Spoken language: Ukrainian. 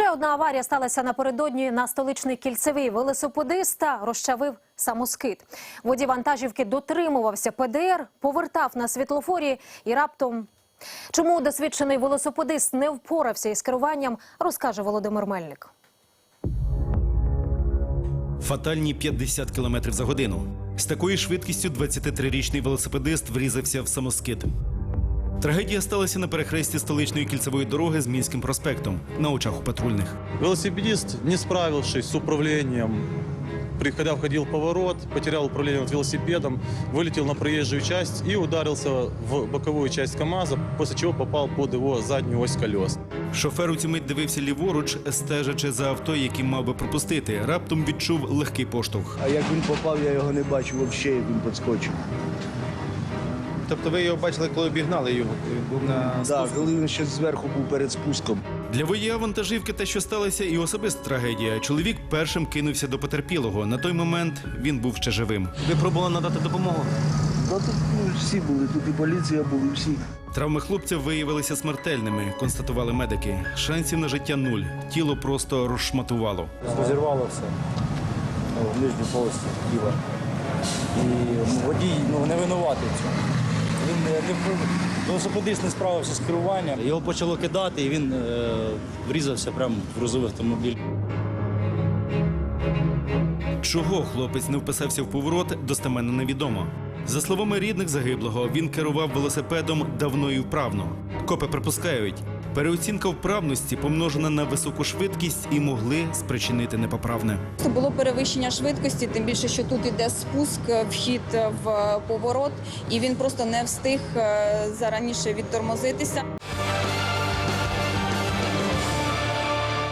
Ще одна аварія сталася напередодні на столичний Кільцевий. Велосипедиста розчавив самоскид. Водій вантажівки дотримувався ПДР, повертав на світлофорі і раптом... Чому досвідчений велосипедист не впорався із керуванням, розкаже Володимир Мельник. Фатальні 50 км за годину. З такою швидкістю 23-річний велосипедист врізався в самоскид. Трагедія сталася на перехресті столичної кільцевої дороги з Мінським проспектом, на очах у патрульних. Велосипедист, не справившись с управлением, входил в поворот, потерял управление велосипедом, вылетел на проезжую часть и ударился в боковую часть КАМАЗа, после чего попал под его заднюю ось колес. Шофер у цю мить дивився ліворуч, стежачи за авто, яким мав би пропустити. Раптом відчув легкий поштовх. А як він попав, я його не бачив взагалі, як він підскочив. Тобто ви його бачили, коли обігнали його? Він був на... Так, коли він ще зверху був перед спуском. Для водія вантажівки те, що сталося, і особиста трагедія. Чоловік першим кинувся до потерпілого. На той момент він був ще живим. Ви пробували надати допомогу? Ну, тут всі були, тут і поліція були, всі. Травми хлопця виявилися смертельними, констатували медики. Шансів на життя нуль. Тіло просто розшматувало. Розірвало все в нижню полості тіла. І водій не винуватий в цьому. Велосипедист не справився з керуванням. Його почало кидати, і він врізався прямо в грузовий автомобіль. Чого хлопець не вписався в поворот, достеменно невідомо. За словами рідних загиблого, він керував велосипедом давно і вправно. Копи припускають, переоцінка вправності помножена на високу швидкість і могли спричинити непоправне. Це було перевищення швидкості, тим більше, що тут іде спуск, вхід в поворот, і він просто не встиг зараніше відтормозитися.